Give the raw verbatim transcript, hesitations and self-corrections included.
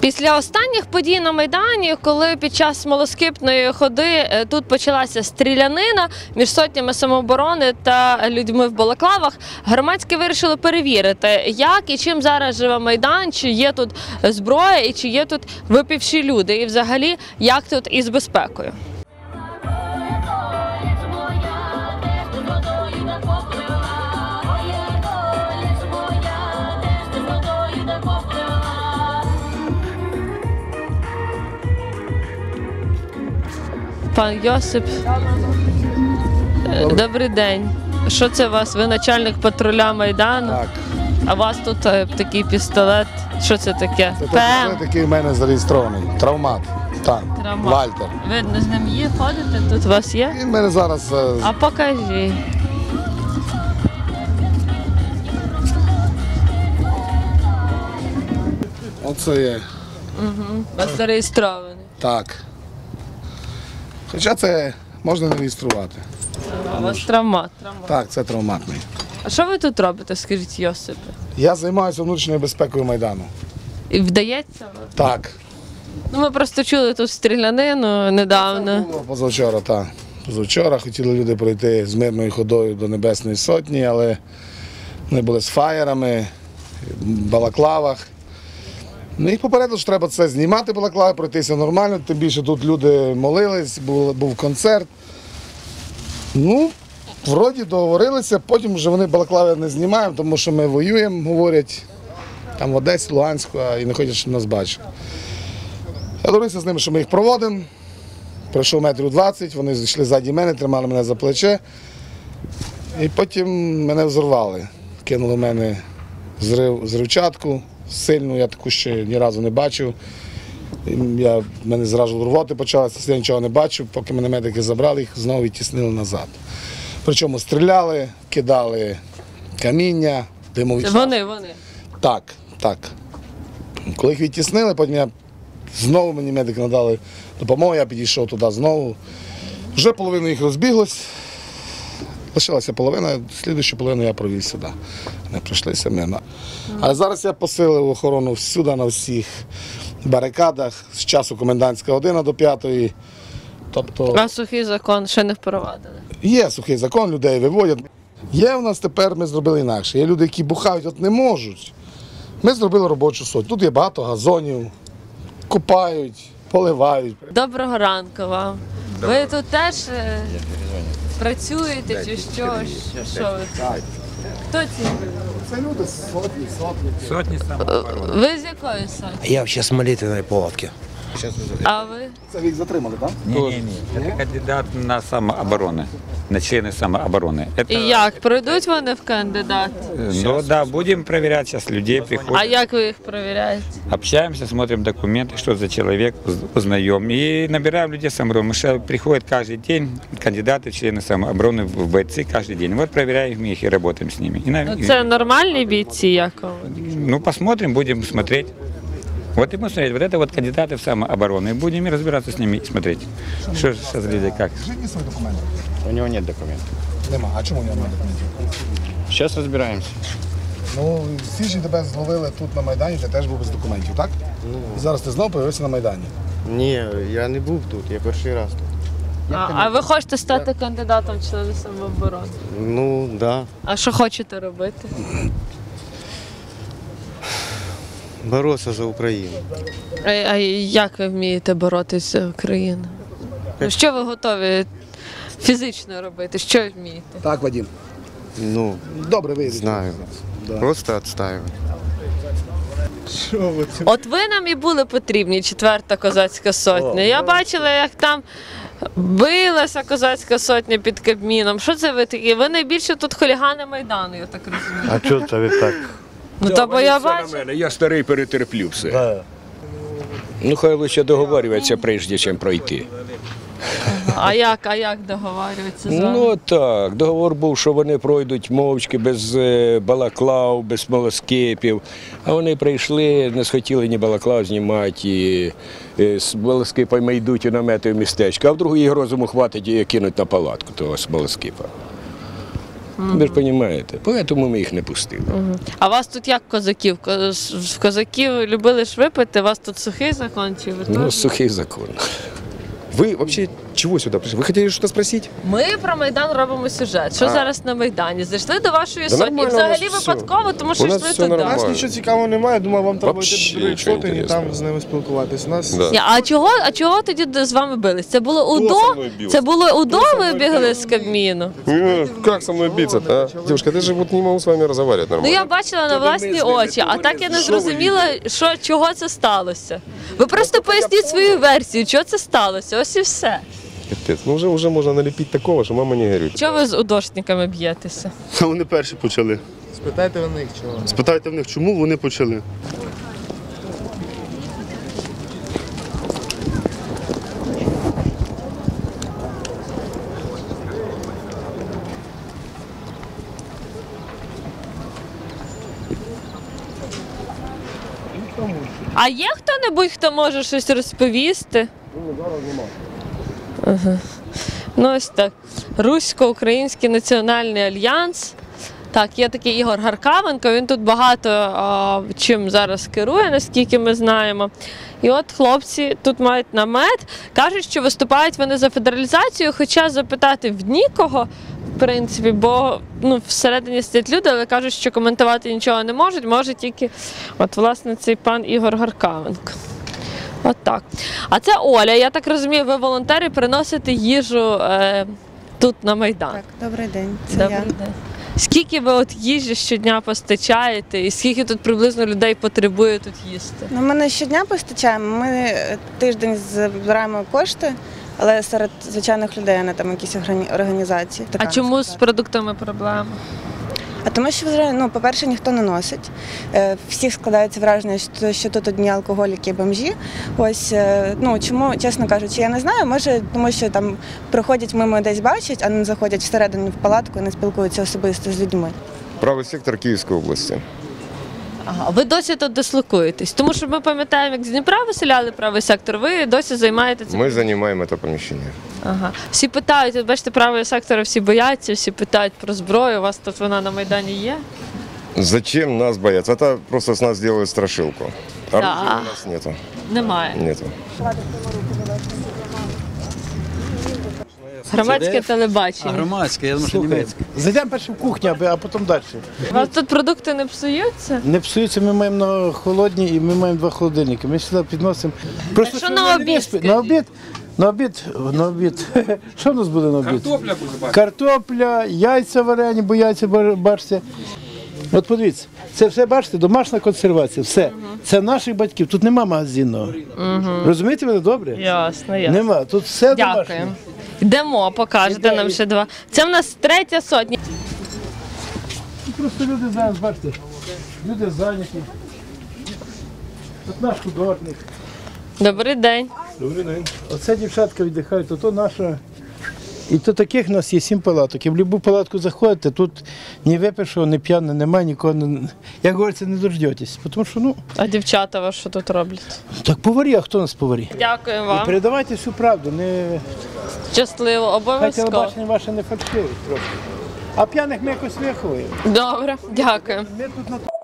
Після останніх подій на Майдані, коли під час смолоскипної ходи тут почалася стрілянина між сотнями самооборони та людьми в балаклавах, громадські вирішили перевірити, як і чим зараз живе Майдан, чи є тут зброя і чи є тут випивші люди, і взагалі, як тут із безпекою. Пан Йосип, добрий день. Що це у вас? Ви начальник патруля Майдану? Так. А у вас тут е, такий пістолет. Що це таке? Це пістолет, який в мене зареєстрований. Травмат. Так. Травмат. Вальтер. Ви з ним є, ходите? Тут у вас є? Він в мене зараз... е, А покажіть. Оце є. Угу. У вас зареєстрований. Так. Хоча це можна не реєструвати. А у вас травмат. травмат. Так, це травматний. А що ви тут робите, скажіть, Йосипе? Я займаюся внутрішньою безпекою Майдану. І вдається? Так. Ну, ми просто чули тут стрілянину недавно. Було позавчора, так. Позавчора хотіли люди пройти з мирною ходою до Небесної Сотні, але вони були з фаєрами, в балаклавах. Ну, їх попередили, що треба це знімати балаклави, пройтися нормально, тим більше тут люди молились, був, був концерт. Ну, вроді договорилися, потім вже вони балаклави не знімаємо, тому що ми воюємо, говорять, там в Одесі, Луганську, і не хочуть, щоб нас бачили. Я договорився з ними, що ми їх проводимо. Пройшов метрів двадцять, вони зайшли ззаді мене, тримали мене за плече. І потім мене взорвали. Кинули в мене зрив, зривчатку сильну, я таку ще ні разу не бачив. Я, мене зразу рвоти почалося, я нічого не бачив, поки мене медики забрали, їх знову відтіснили назад. Причому стріляли, кидали каміння, димові. Вони, вони. Так, так. Коли їх відтіснили, потім я знову мені медики надали допомогу, я підійшов туди знову. Вже половина їх розбіглась, лишилася половина, слідуючу половину я провів сюди. Вони прийшлися мирно. А зараз я посилив охорону всюди, на всіх барикадах, з часу комендантська година до п'ятої. Тобто... А сухий закон ще не впровадили? Є сухий закон, людей виводять. Є в нас тепер, ми зробили інакше. Є люди, які бухають, от не можуть. Ми зробили робочу сотню. Тут є багато газонів, купають, поливають. Доброго ранку вам. Ви тут теж е, працюєте чи що? Що ви тут? Хто ці? Це люди сотні, сотні. Сотни самообороны. Ви з якої сотні? Я вообще с молитвенной палатки. А ви? Це їх затримали, так? Не-не-не, это кандидат на самооборону, на члены самообороны. Это, І як? Пройдуть вони в кандидат? ну да, будем проверять сейчас людей, А приходят, як ви їх перевіряєте? общаемся, смотрим документы, что за человек, уз- узнаем. И набираем людей самообороны. Что приходят каждый день кандидаты в члены самообороны, в бойцы каждый день. Вот проверяем их и работаем с ними. И на- Ну, це нормальні бійці, як вам? ну посмотрим, будем смотреть. Вот и будем смотреть, вот это вот кандидаты в самооборону. И будем и разбираться с ними и смотреть, что сейчас люди как. Житні свої документи. У него нет документов. Нема. А чому у нього немає документів? Сейчас разбираемся. Ну, в січні тебе зловили тут на Майдані, ти теж був без документів, так? І зараз ти знову появився на Майдані. Ні, я не був тут, я перший раз тут. А, а ви хочете стати кандидатом в члени самооборони? Ну, так. Да. А що хочете робити? Боротися за Україну. А, а як ви вмієте боротися за Україну? Ну, що ви готові фізично робити? Що ви вмієте? Так, Вадим. Ну, Добре, вийде. знаю. Просто відстаювати. От ви нам і були потрібні, четверта козацька сотня. Я бачила, як там билася козацька сотня під Кабміном. Що це ви такі? Ви найбільше тут хулігани Майдану, я так розумію. А чого це ви так? Ну, то бо я бачу. Я старий, перетерплю все. Ну, хай лише договорюватися, прежде чим пройти. А як, а як договарюватися з вами? Ну так, договор був, що вони пройдуть мовчки, без е, балаклав, без смолоскипів. А вони прийшли, не схотіли ні балаклав знімати, і е, з смолоскипами йдуть у намети в містечко, а вдруг їх розуму хватить і кинуть на палатку того смолоскипа. Ви ж розумієте, тому ми їх не пустили. А вас тут як козаків? Ко- з- Козаків любили ж випити, у вас тут сухий закон чи ви Ну, теж? сухий закон. Вы вообще чего сюда пришли? Вы хотели что-то спросить? Ми про Майдан робимо сюжет. Що А. зараз на Майдані? Зайшли до вашої Да сотні. нормально, Взагалі у нас все. випадково, тому що У нас йшли все туди. нормально. У нас нічого цікавого немає, думаю, вам треба Вообще йти до других нічого сотень і інтересного. там з ними спілкуватись. У нас Да. Ні, А чого, а чого тоді д- з вами бились? Це було Хто УДО? со мною бився? Це було УДО, ви бігли з Кабміну? Ну, как со мной биться-то, а? Девушка, я же вот не могу с вами разговаривать Ну нормально. я бачила на Тобто ми власні з ними очі, а говорили. так я не Що ви зрозуміла, що, чого це сталося. Ви просто поясніть свою версію, чого це сталося. Ось і все. Капец, ну уже, уже можно налепить такого, что мама не горюет. Чого ви з удошниками б'єтеся? А вони перші почали. спитайте в них чого. Спитайте в них, чому вони почали. А є хто-небудь, хто може щось розповісти? Ага. Ну ось так. Русько-Український національний альянс. Так, є такий Ігор Гаркавенко, він тут багато а, чим зараз керує, наскільки ми знаємо. І от хлопці тут мають намет, кажуть, що виступають вони за федералізацію, хоча запитати в нікого, в принципі, бо ну, всередині сидять люди, але кажуть, що коментувати нічого не можуть, може тільки от, власне, цей пан Ігор Гаркавенко. От так. А це Оля, я так розумію, ви волонтери приносите їжу е, тут на Майдан. Так, добрий день. Це Добрий я. день. Скільки ви от їжі щодня постачаєте і скільки тут приблизно людей потребує тут їсти? Ну, ми не щодня постачаємо. Ми е, тиждень збираємо кошти, але серед звичайних людей, а не там якісь органі- організації. А Така, чому з сказати. продуктами проблема? А тому що вже, ну, по-перше, ніхто не носить. Е, Всіх складається враження, що, що тут одні алкоголіки і бомжі. Ось, е, ну, чому, чесно кажучи, я не знаю. Може, тому що там проходять мимо, десь бачать, а не заходять всередину в палатку і не спілкуються особисто з людьми. Правый сектор Киевской области. Ага, ви досі тут дислокуєтесь? Тому що ми пам'ятаємо, як з Дніпра виселяли правий сектор, ви досі займаєте це. Мы занимаем это помещение. Ага. Всі питають, от бачите, правий сектор, всі бояться, всі питають про зброю, у вас тут вона на Майдані є? Зачем нас бояться? Это просто с нас делают страшилку. Оружия Да. у нас нету. Немає. Нету. Громадське телебачення. Громадське, я думаю, що німецьке. Зайдемо перше в кухню, а потім далі. У вас тут продукти не псуються? Не псуються, ми маємо на холодні і ми маємо два холодильники. Ми сюди підносимо. Просто що щоб на вони не обід, виспи- На обід? На обід, на обід. Що в нас буде на обід? Картопля буде. Картопля, яйця варені, бо яйця ба- бачите. От подивіться, це все, бачите, домашня консервація, все. Це наших батьків, тут нема магазинного. Розумієте мене добре? Ясно, ясно. Нема, тут все домашнє. Дякую. Йдемо, покажете нам ще два. Це в нас третя сотня. Просто люди зараз, бачите, люди зайняті. От наш художник. Добрий день. Добрий день. Оце дівчатка віддихають, то, то наша. І то таких у нас є сім палаток. І в будь-яку палатку заходите, тут ні випившого, ні п'яного немає, нікого не. Як говориться, не дождетесь. Тому що, ну, А дівчата вас що тут роблять? так поварі, а хто у нас поварі? Дякую І вам. передавайте всю правду, не Щасливо, хай обов'язково. телебачення ваше не фальшиве трошки. А п'яних ми якось виховуємо. Добре, дякую. Ми тут на